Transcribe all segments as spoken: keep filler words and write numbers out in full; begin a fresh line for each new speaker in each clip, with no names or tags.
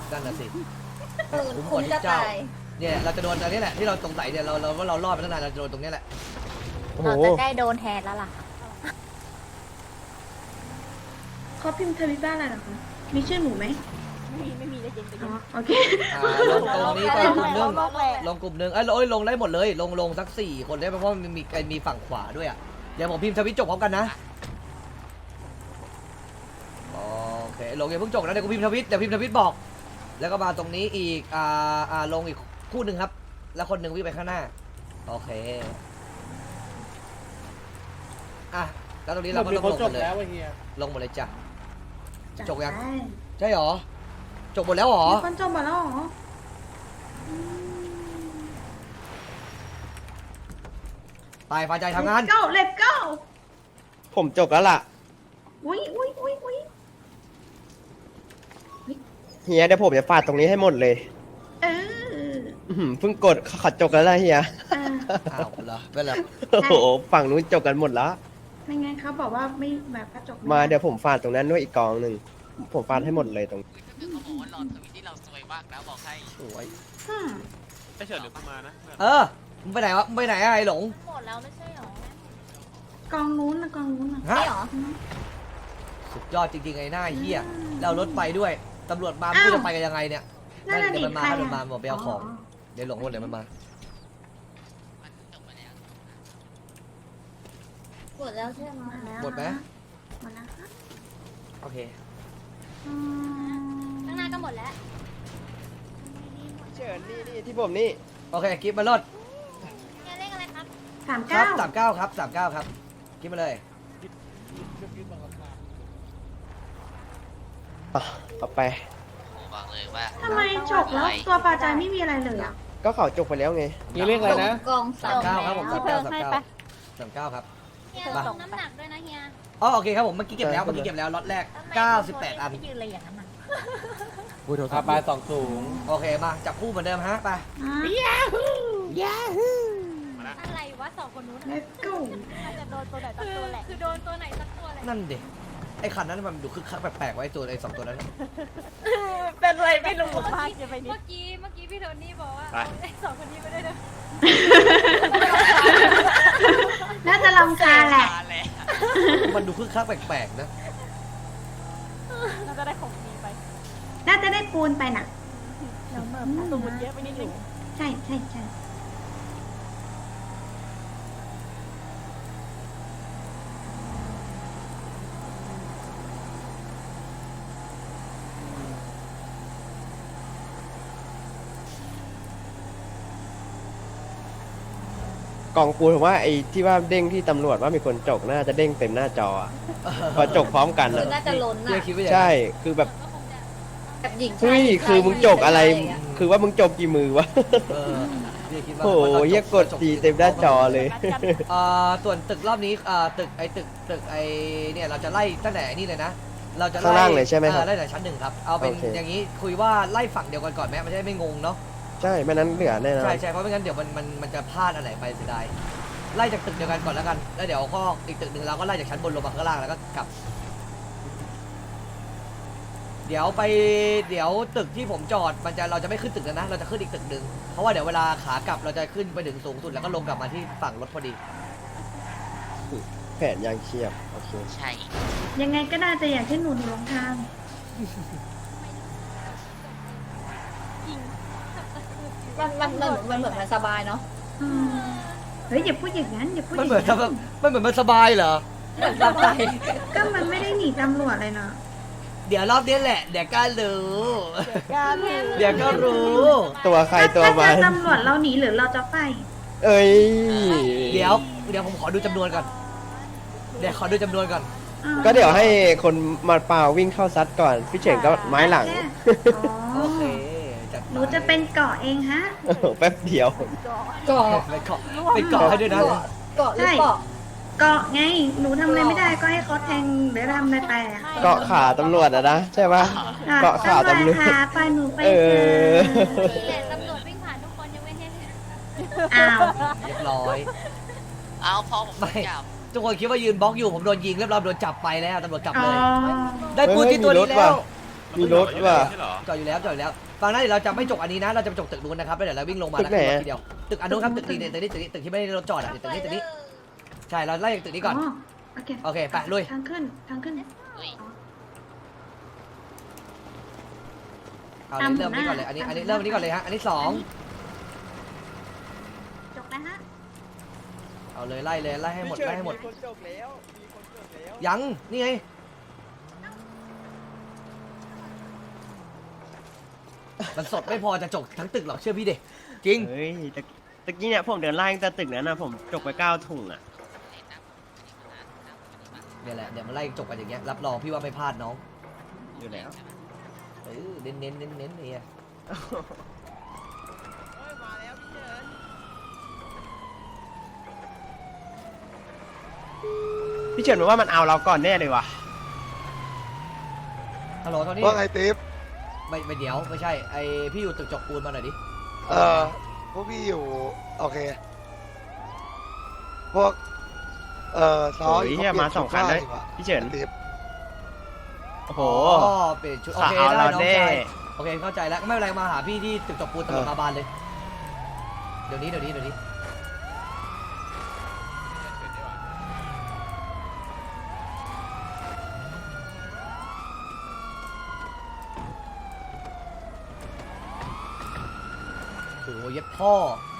นั่นน่ะสิ
คุ้มคุ้มจะตาย
เนี่ยเราจะโดนอันนี้แหละที่เราสงสัยเนี่ยเราเราว่าเรารอดมาตั้งนานเราจะโดนตรงนี้แหละ
โอ้โห
เราจะได้โดนแทนแล้วล่ะ
เขาพิมพ์ทวิตบ้านอะไรเหรอคะมีชื่อหนูไหม
ไม่มีไม่มีได้ยินได้ยิ
อ๋
น
อโอเค
อ่าลงตรงนี้ก็กลุ่มหนึงลงกลุ่มหนึงเอ้ยลงลงได้หมดเลย ลงลงสักสี่คนได้เพราะว่ามันมีมีฝั่งขวาด้วยอ่ะเดี๋ยวผมพิมพ์ทวิตจบพร้อมกันนะโอเคลงอย่าเพิ่งจบนะเดี๋ยวกูพิมพ์ทวิตเดี๋ยวพิมพ์ทวิตบอก แล้วก็มาตรงนี้อีกอ่าอ่าลงอีกคู่หนึ่งครับ แล้วคนหนึ่งวิ่งไปข้างหน้าโอเคอ่ะแล้วตรงนี้เราก็ลงหมดเลยลงหมดเลยจ้ะ จบยัง
ได้
ใช่หรอจบหมดแล้วหรอ
มีคนจบหมดแล้วเหรอ
ตายฟ้าใจทำงาน
Let's go Let's go
ผมจบแล้วล่ะ
อุ้ยอุ้ยอุ้ยอุ้ย
เฮียเดี๋ยวผมจะฟาดตรงนี้ให้หมดเลย
เออ
อื้อหือเพิ่งกดขัดจบแล้วล่ะเฮีย
อ่า
อ้าวเหรอเป็นไร
โอ้โหฝั่งนู้นจบกันหมดแล้ว
ไม่งั้นเขาบอกว่าไม่แบบกระจกไ
มาเดี๋ยวผมฟาดตรงนั้นด้วยอีกกองหนึ่งผมฟาดให้หมดเลยตรง
คือเขาบอกว่าหลอดทวิตที่เราซวยมากนะบอกให้
สวย
อืม
ไม่เฉิดหรือกูมานะ
เออมึงไปไหนวะมึงไปไหนอะไอ้หลง
หมดแล้วไม่ใช่หรอก
องนู้นนะกองนู้นนะ
ฮะ
ไม่หรอ
สุดยอดจริงๆไอ้หน้าเฮียแล้วรถไปด้วยตำรวจมาไม่
อ้าว
รู้จะไปกันยังไงเนี่ย
นั่นน่ะ
เดี๋ยวมันมา
ดิใคร
เดี๋ยว
อะ
มันมาบอกไปเอาของเดี๋ยวหลงหมดเดี๋ยวมันมา
มันจบมาแล้ว
หมดแล้วใช่ไหม
หมดไหม
หมดแล้วค่ะ
โอเค
อืม
ข้างหน้าก็หมดแล้ว
เฉินนี่นี่ที่ผมนี่
โอเคกิฟมาลด
เนี่ยเลขอะไรครับ
สาม
ครั
เก้า
บสามเก้าครับสามเก้าครับกิฟมาเลย
อ่ะเอาไป
โอ้บอกเลยว่า
ทำไมจบแล้วตัวปลาใจไม่มีอะไรเลยอ่ะ
ก็เขาจบไปแล้วไง
นี่เรียกอะไรนะ
กองสา
สาม มเก้าครับผมสาม
เพิ่
เก้าม สาม
ให้
เก้า
ไป
สามเก้าครับ
เฮีย
มา
ส่งน้ำหนักด้วยนะเฮีย
อ๋อโอเคครับผมเมื่อกี้เก็บแล้วเมื่อกี้เก็บแล้วล็อตแรกเก้าสิบแปดอัน
ไม่ยืนเลยอย่างนั้นนะ
อาปลายสองสูง
โอเคมาจับคู่เหมือนเดิมฮะไป
อ่ะ
อะไรวะสองคนนู้น
Let's go
อาจจะโดนตัวไหนสักตัวแหละคือโดนตัวไหนสักตัวแหละ
นั่นดิไอ้คันนั้นมันดูคึกคักแปลกๆไว้ตัวไอ้สองตัวนั้น
เป็นไรไม่รู้มากจะไปนิด
เมื่อกี้เมื่อกี้พี่โทนี่บอกว่า
ไป
ไอ้สองคนนี้ไม่ได้เลย
น่าจะลำคาญแหละ
มาแล้ว
มันดูคึกคักแปลกๆนะ
เราจะได้ของดีไป
น่าจะได้ปูนไปน่ะ
แล้วเมื่อตูมันเยอะไปนิดนึง
ใช่ใช่ใช่
กองปูนผมว่าไอ้ที่ว่าเด้งที่ตำรวจว่ามีคนจกน่าจะเด้งเต็มหน้าจออะพอจกพร้อมกัน
คือ
อะ
น่าจะล้น
พี่
อ่ะ
คิดว่าอย่าง
ใช่
นั้น
คือแบบ
ก็คงจะ
แบบหญิงชา
เฮ้ย
ย
คือมึงจกอะไร คือว่ามึงจกกี่มือวะ
เออพี่คิดว่า
โอ้โห
ว่าตอนจบ
เหี้ยกดจีเต็มหน้าจอเลย
อ่าส่วนตึกรอบนี้อ่าตึกไอ้ตึกตึกไอ้เนี่ยเราจะไล่ตั้งแต่นี่เลยนะ เราจะไล่
ข้างล่างเลยใช่ไหมครับ
อ่าไล่แต่ชั้นหนึ่งครับเอาเป็น
โอเค
อย่างนี้คุยว่าไล่ฝั่งเดียวกันก่อนไหมมันจะได้ไม่งงเนาะ
ใช่ไม่นั้นเหลือแน่นอน
ใช่ใช่เพราะไม่งั้นเดี๋ยวมันมันมันจะพลาดอะไรไปเสียดายไล่จากตึกเดียวกันก่อนแล้วกันแล้วเดี๋ยวก็อีกตึกหนึ่งเราก็ไล่จากชั้นบนลงมาข้างล่างแล้วก็กลับ เดี๋ยวไปเดี๋ยวตึกที่ผมจอดมันจะเราจะไม่ขึ้นตึกแล้วนะเราจะขึ้นอีกตึกหนึ่งเพราะว่าเดี๋ยวเวลาขากลับเราจะขึ้นไปถึงสูงสุดแล้วก็ลงกลับมาที่ฝั่งรถพอดี
แผนยังเชียบโอเค
ใช่
ยังไงก็น่าจะอย่างที่หนูหนูลงทาง
มันมันมันมันเหมือนมันสบายเนาะ
อืมเฮ้ยอย่าพูดอย่างนั้นอย่าพูดอ
มัน
ย่าง
เหมือน
นั้น
ทำมันเหมือนมันสบายเหรอ
เหมือนสบาย
ก็มันไม่ได้หนีตำรวจเลยเนาะ
เดี๋ยวรอบนี้แหละเดี๋ยวก็รู้
การ
เดี๋ยวก็รู้
ตัวใครตัว
ถ้า
มั
เจอน ตำรวจเราหนีหรือเราจะไป
เอ้ย
เดี๋ยวเดี๋ยวผมขอดูจำนวนก่อนเดี๋ยวขอดูจำนวนก่อน
อ้า
ก็เดี๋ยวให้คนมาเปล่าวิ่งเข้าซัดก่อน พี่เฉิงก็ไม้หลัง
อ๋
โอ
อ
เคจัดไป
หนูจะเป็นเกาะเองฮะ
โอ้โหแป๊บเดียว
เกาะ
ไปเกาะไปเกาะให้ด้วยนะ
เกาะเกาะหรือเกาะ
เกาะไง หนูทำอะไรไม่ได้ก็ให้เขาแทงหรือทำอะไรไปอะ
เกาะขาตำรวจอะนะ ใช่ปะ เกาะขาตำรวจ
ขาไปหนูไป
เอ
เจ
อ
อ
แต่ตำรวจวิ่งผ่านทุกคนยังไม่เห็นเลย
อ้าว
เรียบร้อย
เอาพอผม
ไม่
จับ
ทุกคนคิดว่ายืนบล็อกอยู่ผมโดนยิงเรียบร้อยโดนจับไปแล้วตำรวจจับ
อ๋อ
เลย ได้ปูนที่ตัวนี้
เฮ้ยมีรถ
แล้ว
ว่ะมีรถว่ะ
ใช่เหรอ
จอดอยู่แล้วจอดอยู่แล้วฟังนะเดี๋ยวเราจะไม่จกอันนี้นะเราจะไปจกตึกนู้นนะครับแล้วเดี๋ยวเราวิ่งลงมา
ตึ
แล้ว
กไหน
ขึ้นรถทีเดียวตึกอันนู้นครับตึกนี้เนี่ยตึกนี้ตึกนี้ตึกที่ไม่ได้รถจอดอ่ะตึกนี้ตึกนี้ใช่เราไล่จากตึกนี้ก่อน
อ๋อโอเค
โอเคไปลุย
ทางขึ้นทางขึ้น
อุ้ย
เอาเลยเริ่มนี้ก่อนเลยอันนี้อันนี้เริ่มอันนี้ก่อนเลยฮะอันนี้สอง
จบแล้วฮะ
เอาเลยไล่เลยไล่ให้หมดไล่ให้หมด
มีคนจบแล้วมีคนจบแล้ว
ยังนี่ไงมันสดไม่พอจะจกทั้งตึกหรอกเชื่อพี่ดิจริง
เฮ้ยตะตะกี้เนี่ยผมเดินไล่ตั้งแต่ตึกนั้นนะผมจกไปเก้าถุงอ่ะ
เนี่ยแหละเดี๋ยวมาไล่จกกันอย่างเงี้ยรับรองพี่ว่าไม่พลาดน้อง
อยู่แล้ว
เออเน้นเน้นเน้นเน้นเนี่ย
มาแล้วพี่เฉินพี่เฉินบอกว่ามันเอาเราก่อนแน่เลยว่ะ
ฮัลโหลตอนนี้
ว่าไงติ๊บ
ไม่ไม่เดี๋ยวไม่ใช่ไอพี่อยู่ตึกจกปูนมาหน่อยดิ
เออพวกพี่อยู่ โอเค พวก เอ่อซอ
โอ้ยเหี้ยมาสองคันเลยพี่เฉิน
ติ๊บ
โอ้โห
อ๋อเปลี่ยนชุดโอเค
เอา
ได้
เรา
น้อง
แน่
ชายโอเคเข้าใจแล้วไม่เป็นไรมาหาพี่ที่ตึกจกปูนตำรวจมาบานเลยเดี๋ยวนี้เดี๋ยวนี้เดี๋ยวนี้โอ้โหเย็บพ่อ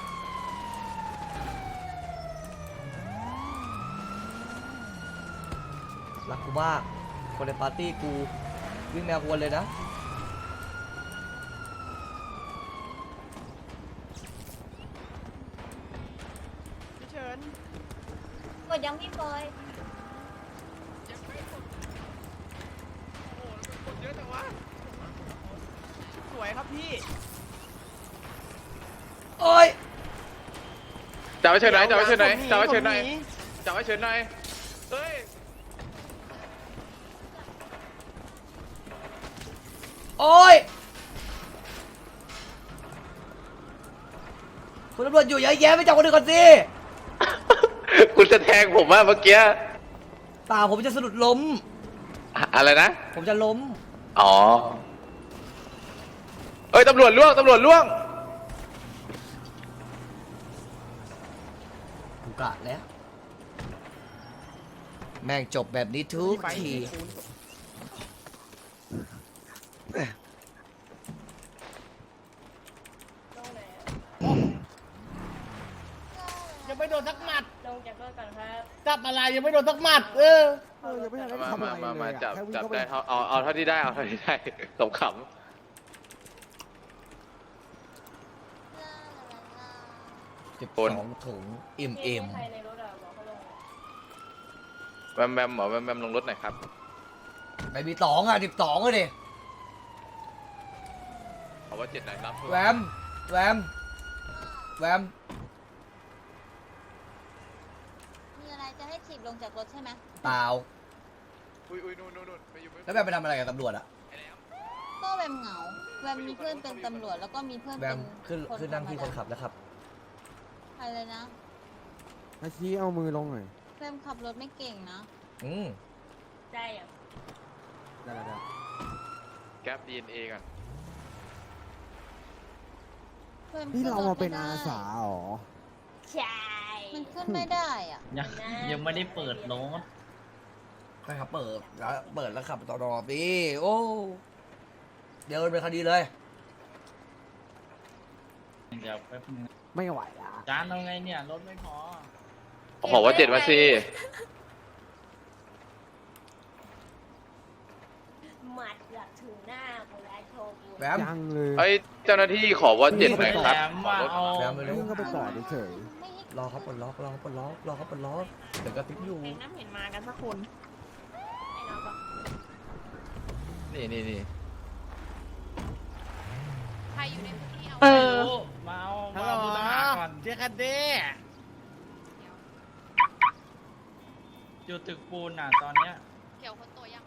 รักกูมากคนในปาร์ตี้กูวิ่งแนวกวนเลยนะ
พี่เฉิน
หมดยังพี่บอย
คนเยอะจังวะสวยครับพี่
โอ้ย
จับไว้เชิญไหนจับไว้เชิญไหน
ผม
จับไว้เชิญไหน
ผม
จับไว้เชิญไหนเฮ้ย
โอ้ยคุณตำรวจอยู่เยอะแยะไม่จับคนอื่นก่อนสิ
คุณจะแทงผมว่าเมื่อกี้
เปล่าผมจะสะดุดล้ม
อะอะไรนะ
ผมจะล้ม
อ๋อ เอ้ยตำรวจล่วงตำรวจล่วง
กูกะแล้ว แม่งจบแบบนี้ทุกที
ยังไม่โดนสักหมัด
ลงจากรถก่อนครับ
จับอะไรยังไม่โดนสักหมัด เออ
เออยังไม่ทันได้
มา
ทำอะไร
มา
เลย
มา
อะ
จับ
แค่วิ่ง
จับ
เข้าป
ได้เอาเอาเอาเท่าที่ได้ เอาเท่าที่ได้สมข
สิบสองถุงอิ่มเอ็ม
ใครในรถอะบอกเขาลง
ำแบมแบมหมอแบมแบมลงรถหน่อยครับ
ไปมีสองอ่ะสิบสองเลยดิ
เอาว่าเจ็ดหน่อยรับ
แวมแวมแวม
มีอะไรจะให้ถีบลงจากรถใช่ไหม
เปล่า
อุ้ยอุ้ยนู่นนู่นนู่นไปอยู่
แล้วแวมไปทำอะไรกับตำรวจอ่ะ
ก็แวมเหงาแวมมีเพื่อนเป็นตำรวจแล้วก็มีเพื่อน
แว
เป็
ม
น
ขึ้นขึ้นนั่งที่คนขับแล้วครับ
อะไรนะ
อาชีเอามือลงหน่อย
แวมขับรถไม่เก่งนะ
อืม
ได้อะ
ได้ได้
แก๊ปดีเอ็นเอก่อน
แวม
นี่
ขึ้
เรา
ถ
มาเป็น
ไได้
อาสาเหรอ
ใช่มันขึ้นไม่ได้อ่ะ
ยังยังไม่ได้เปิดรถ
ใช่ครับเปิดแล้วเปิดแล้วขับต่อรอพี่โอ้เดี๋ยวเป็นคดีเลย
เดี๋ยวแป๊บนึง
ไม่ไหวละ
จานเอาไงเนี่ย รถไม่พอ
ขอว่าเจ็ดมาสิ
หมัดหลักถึงหน้าของนายโชกุน
แวม
ยังเลย
เอ้ยเจ้าหน้าที่ขอว่าเจ็ดหน่อยครับ
แหลมว่าเอา
แวมไปเร็ว
วิ่งเข้าไปก่อนเฉย
ไม่ให้
รอเขาปลดล็อกรอเขาปลดล็อกรอเขาปลดล็อกเดี๋ยวก็ติ๊กอยู่
น้ำเห็นมากันสักคน ไอ้น้องบอก
นี่นี่นี่
ใครอยู่ในพื้นที่เอา
เออมาเอามาเอาผู้ต้องหาก่อน
เจ๊คันเด้
อยู่ตึกปูนอ่ะตอนเนี้ย
เกี่ยวคนตัวยัง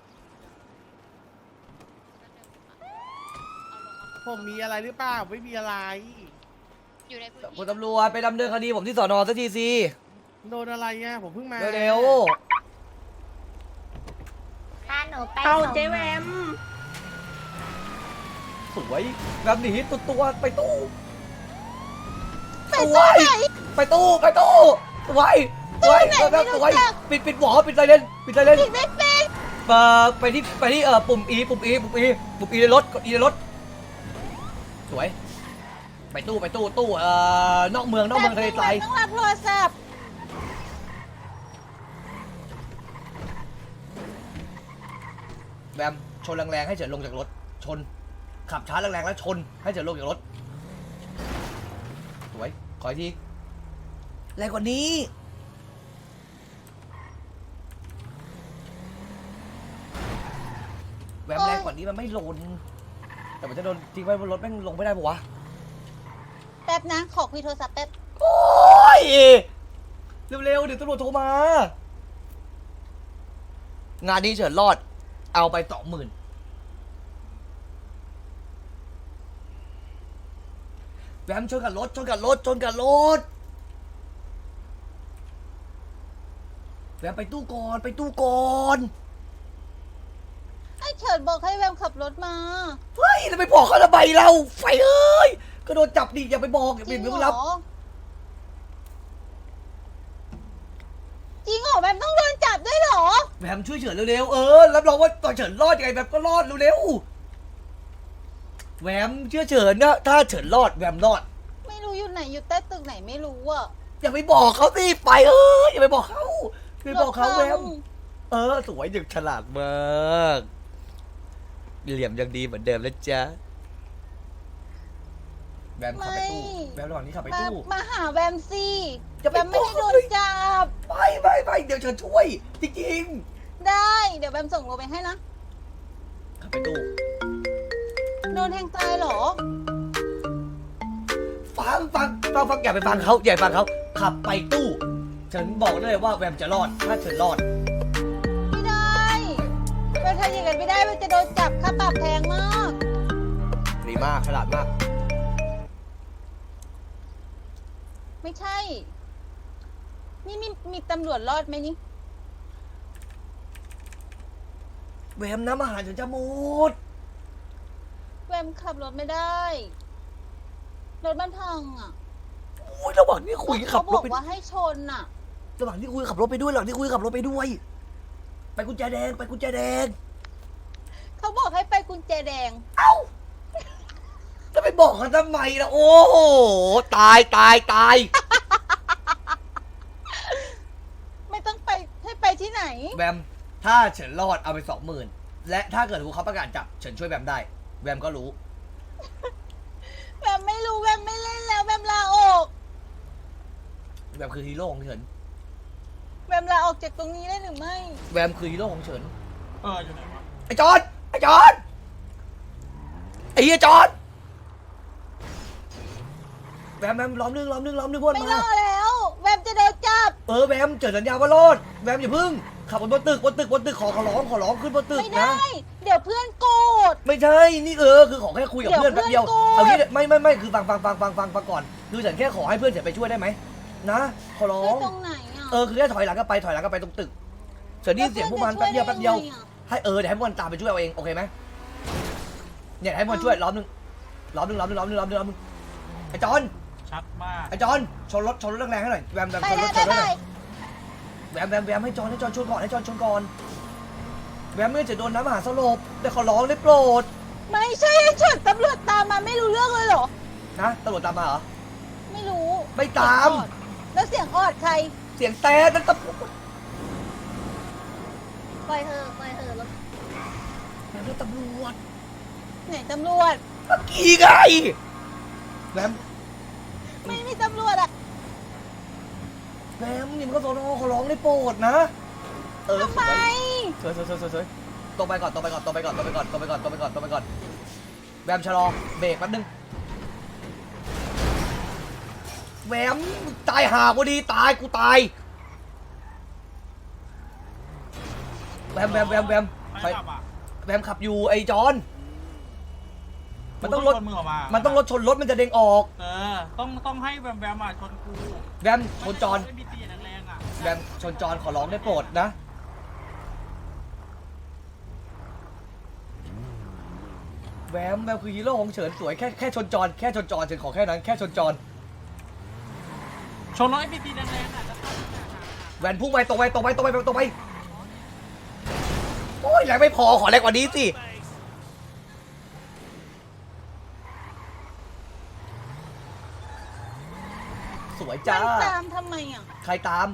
เอาลงมา
ผมมีอะไรหรือเปล่าไม่มีอะไร
อยู่ในพื้น
คุ
ที่
ณตำรวจไปดำเนินคดีผมที่สอนอสักทีสิ
โดนอะไรไงผมเพิ่งมา
เร็ว
พาหนูไป
เอา
ส่ง
เจ๊แวม
สวยแบบหนีตัวตัวไปตู้สวยไปตู้ไปตู้สวยสวยแบบสวยปิดปิดหัวปิดไซเรนปิดไซเรนเอ่อไปที่ไปที่เอ่อปุ่ม E ปุ่ม E ปุ่ม E ปุ่ม E ในรถกด E ในรถสวยไปตู้ไปตู้ตู้เอ่อนอกเมืองนอกเมืองทะเลทราย
ต้องรับโทรศัพท์
แบมชนแรงๆให้เฉินลงจากรถชนขับช้าแรงๆแล้วชนให้เฉินลงจากรถสวยขออีกทีแรงกว่านี้แบมแรงกว่านี้มันไม่ลนแต่มันจะโดนทิ้งไว้บนรถแม่งลงไม่ได้ปะวะ
แป๊บนะขอคุยโทรศัพท์แป๊บ
โอ้ยเร็วๆเดี๋ยวตำรวจโทรมา งานนี้เฉินรอดเอาไปสองหมื่นแบมชนกับรถชนกับรถชนกับรถแบมไปตู้ก่อนไปตู้ก่อน
ไอ้เฉิดบอกให้แวมขับรถมา
เฮ้ยแล้วไปบอกเขาทำไมเราไฟเอ้ยก็โดนจับดิอย่าไปบอกอย่า
จ
ไป
ริง
ไม่
เหร
รับ
อจริงเหรอแวมต้องโดนจับด้วยเหรอ
แบมช่วยเฉินเร็วๆเออรับรองว่าตอนเฉินรอดยังไงแบมก็รอดเร็วๆแวมเชื่อเฉินนะถ้าเฉินรอดแวมรอด
ไม่รู้อยู่ไหนอยู่ใต้ตึกไหนไม่รู้อ่ะ
อย่าไปบอกเขาสิไปเอ้ยอย่าไปบอกเขาอย่าไปบอกเขาแวมเออสวยอย่างฉลาดมากเหลี่ยมยังดีเหมือนเดิมแล้วจ้ะแวมขับไปตู้แวมระหว่างนี้ขับไป
มา
ตู้
มาหาแวมสิ
จะไป
แวมไม่ได้โดนจับ
ไปไปไปเดี๋ยวฉันช่วยจริง
ได้เดี๋ยวแวมส่งโลไปให้นะ
ๆขับไปตู้
โดนแทงตายเหรอ
ฟังฟังฟังฟังอย่าไปฟังเขาอย่าไปฟังเขาขับไปตู้ฉันบอกได้เลยว่าแวมจะรอดถ้าเฉินรอด
ไม่ได้แวมทำอย่างนั้นไม่ได้แวมจะโดนจับค่าปรับแพงมาก
ดีมากฉลาดมาก
ไม่ใช่ นี่มีมีตำรวจรอดไหมนี่
แวมน้ำอาหารฉันจะหมด
แวมขับรถไม่ได้ รถมันพังอ่ะ
โอ้ยระหว่างนี้คุยขั
เขา
บบ ร
อ
ถ
ก
ไป
ว่าให้ชนอ่ะ
ระหว่างที่คุยขับรถไปด้วยระหว่างที่คุยขับรถไปด้วย ไปกุญแจแดงไปกุญแจแดง
เขาบอกให้ไปกุญแจแดง
เอ้าจะไปบอกเขาทำไมล่ะโอ้โหตายตายตาย
ไม่ต้องไปให้ไปที่ไหน
แวมถ้าเฉินรอดเอาไปสองหมื่นและถ้าเกิดเขาประกาศจับเฉินช่วยแวมได้แวมก็รู้
แวมไม่รู้แวมไม่เล่นแล้วแวมลาออก
แวมคือฮีโร่ของเฉิน
แวมลาออกจากตรงนี้ได้หรือไม่
แวมคือฮีโร่ของเฉิน
เอออยู่ไหนวะ
ไอ้จอนไอ้จอนไอ้เหี้ยจอนแวมแวมล้อมนึงล้อมนึงล้อมนึงพวก
ไม่
มาร
อแล้ว แวมจะโดนจับ
เออแวมเจอสัญญาว่ารอดแวมอย่าพึ่งขับบนตึกบนตึกบนตึกขอขอร้องขอร้องขึ้นบนตึก
ไม่
นะ
ได้ เดี๋ยวเพื่อนโกรธ
ไม่ใช่นี่เออคือขอแค่คุยกับ
เดี๋ยว
เพื่อนแป๊บเดียว
เพื่อนโกรธ
เอางี้ไม่ไม่ไม่คือฟังฟังฟังฟังฟังฟังก่อนคือฉันแค่ขอให้เพื่อนฉันไปช่วยได้ไหมนะขอร้อ
ช่วย
ง
ตรงไหนอ่ะ
เออคือแค่ถอยหลังก็ไปถอยหลังก็ไปตรงตึกเฉินได้ยินเสียงพวกมันแป๊บเดียวแป๊บเดียวให้เออเดี๋ยวให้พวกมันตามไปช่วยเอาเองโอเคไหมเนี่ยให้พวกมันช่วยล้อมนึงล้อมนึงล้อมนึงล้อมนึงล้อมนึงล้อมนึงไอ้จอน
ชัดมาก
ไอ้จอนชนรถชนรถแรงๆให้หน่อยแวมแวม
ไป
ชนร
ได้
ถช
ไป
นรถห
ได้
น่อยแวมแวมแวมให้จอนให้จอนชนก่อนให้จอนชนก่อนแวมไม่งั้นจะโดนน้ำมหาสลบได้ขอร้องได้โปรด
ไม่ใช่ไอ้เฉิดตำรวจตามมาไม่รู้เรื่องเลยเหรอ
นะตำรวจตามมาเหรอ
ไม่รู้
ไม่ตาม
เสียงออดแล้วเสียงออดใคร
เสียงแต่นั่นตำรวจ
ปล่อยเธอปล่อยเธอรถ
นั่นตำรวจ
ไหนตำรวจ
เมื่อกี้ไงแวม
ไม่มีตำรวจอ่ะ
แวมนี่มันก็สอนอขอร้องได้โปรดนะเออ
ทำไม
สวยสวยสวยสวยสวยตรงไปก่อนตรงไปก่อนตรงไปก่อนตรงไปก่อนตรงไปก่อนตรงไปก่อนตรงไปก่อนแวมชะลอเบรกแป๊บนึงแวมตายห่ากูดีตายกูตายแวมแวมแวมแวม
ไม่ขับอ่ะ
แวมขับอยู่ไอ้จอนมันต้องรถ
กูชนมึงออกมา
มันต้องรถชนรถมันจะเด้งออก
เออ ต้องต้องให้แวมแวมอ่ะชนกู
แวมชนจอน
ไม่มีตีแรงๆอ่ะ
แวมชนจอนขอร้องได้โปรดนะแวแวมแวมคือฮีโร่ของเฉินสวยแค่แค่ชนจรแค่ชนจรเฉินขอแค่นั้นแค่ชนจร
ชนร้อยพีซีแรงๆอ่ะจะเข้า
แวนพุ่งไปตรงไปตรงไปตรงไปตรงไปโอ้ยแรงไม่พอขอแรงกว่านี้สิสวยจ้า
มันตามทำไมอ่ะ
ใครตาม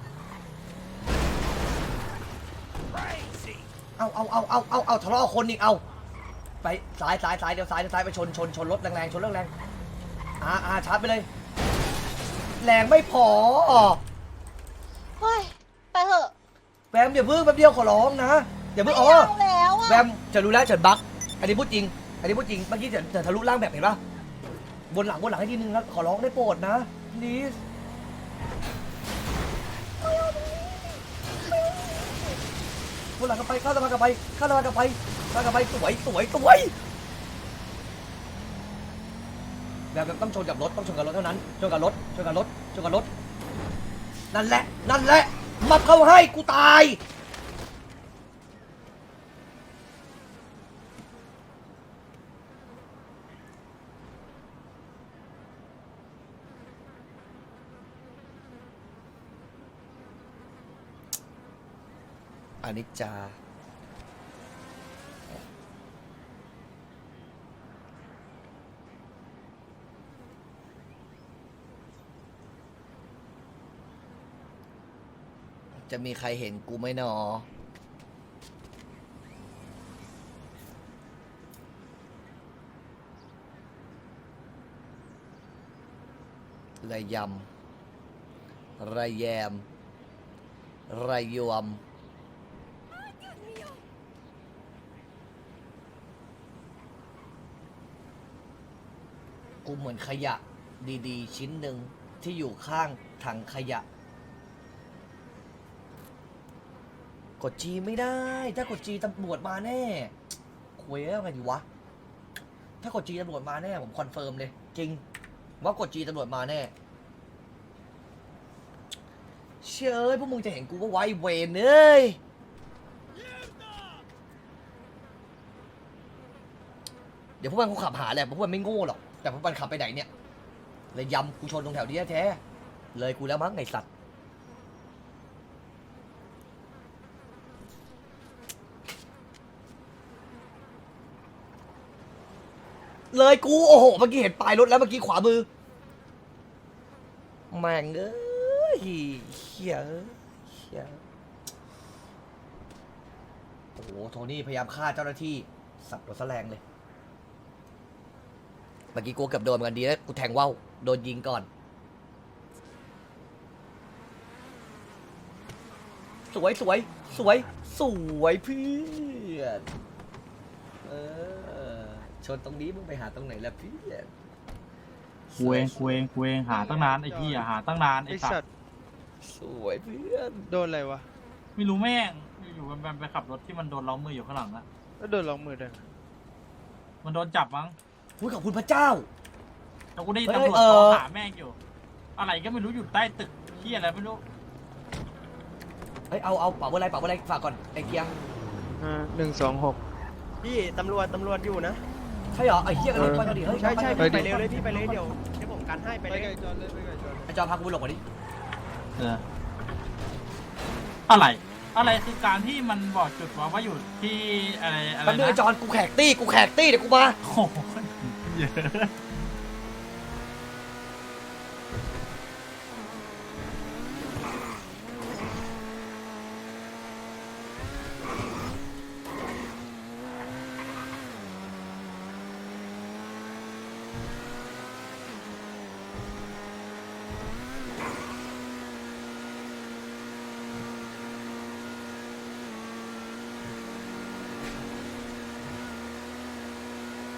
เอาเอาเอาเอาเอาเอาทะเลาะคนอีกเอาไปซ้ายซ้ายซ้ายเดี๋ยวซ้ายเดี๋ยวซ้ายไปชนชนชนรถแรงๆชนเรื่องแรงอ่าอ่าชาร์จไปเลยแรงไม่พอ
เฮ้ย ไปเถอะ
แวมอย่าเพิ่งแป๊บเดียวขอร้องนะอย่า
ไม่
เพิ่งอ๋อ
เอาแล้วอ่ะ
แวมจะรู้แล้วเฉินบักอันนี้พูดจริงอันนี้พูดจริงเมื่อกี้เฉินเฉินทะลุล่างแบบเห็นปะบนหลังบนหลังให้ทีนึงนะขอร้องได้โปรดนะนี่บนหลังกันไปข้าสะพานกันไปข้าสะพานกันไปข้าสะพานกันไปสวยสวยสวยแบบต้องชนกับรถต้องชนกับรถเท่านั้นชนกับรถชนกับรถชนกับรถนั่นแหละนั่นแหละมาเข้าให้กูตายอนิจจาจะมีใครเห็นกูไหมหนอระยำระแยมระยวมกูเหมือนขยะดีๆชิ้นหนึ่งที่อยู่ข้างถังขยะกดจีไม่ได้ถ้ากดจีตำรวจมาแน่คุยแล้วไงดีวะถ้ากดจีตำรวจมาแน่ผมคอนเฟิร์มเลยจริงว่ากดจีตำรวจมาแน่เชื่อเอ้ยพวกมึงจะเห็นกูว่าไว้เวนเอ้ยเดี๋ยวพวกมันคงขับหาแหละพวกมันไม่โง่หรอกแต่พวกมันขับไปไหนเนี่ยเลยยำกูชนตรงแถวนี้แท้ๆเลยกูแล้วมั้งไงสัตว์เลยกูโอ้โหเมื่อกี้เห็นปลายรถแล้วเมื่อกี้ขวามือแม่งเอ้ยเฮียเฮียโอ้โหโทนี่พยายามฆ่าเจ้าหน้าที่สับรถแสลงเลยเมื่อกี้กูเกือบโดนเหมือนกันดีแล้วกูแทงว่าวโดนยิงก่อนสวยสวยสวยสวยเพื่อนเออชนตรงนี้มึงไปหาตรงไหนล่ะเพื่อน
คุยคุยคุยหาตั้งนานไอ้พี่หาตั้งนานไอ้สัตว์
สวยเพื่อน
โดนอะไรวะ
ไม่รู้แม่งอยู่ๆมันไปขับรถที่มันโดนล้อมมืออยู่ข้างหลังอะ
แล้วโดนล็อกมือได้ไง
มันโดนจับมั้ง
อุ้ยขอบคุณพระเจ้า
แต่กูได้ยิน
เฮ้ย
ตำรวจ
เออ
เขาหาแม่งอยู่ อะไรก็ไม่รู้อยู่ใต้ตึกที่อะไรไม่รู้
เฮ้ยเอาเอาเป๋าอะไรเป๋าอะไรฝากก่อนไอ้เกียร์
หนึ่งสองหก
พี่ตำรวจตำรวจอยู่นะ
ใช่เหรอไอ้เกียร์กันเลยไปกันดิเฮ้ย
ใช่ใช่
ไป
ไป
ดิ
เร็วเลยพี่ไปเลยเดี๋ยวเดี๋ยวผมกันให้ไป
ไป
เลย
ไก่จอนเลยไปไก่จอน
ไอ้จอพากูไปหลบก่อนดิ
เอออะไร อะไรคือการที่มันบอกจุดว่าว่าอยู่ที่อะไรอะไร
แป๊บนึงไอ้
นะ
จอนกูแขกตี้กูแขกตี้เดี๋ยวกูมา
โอ้โหเยอะ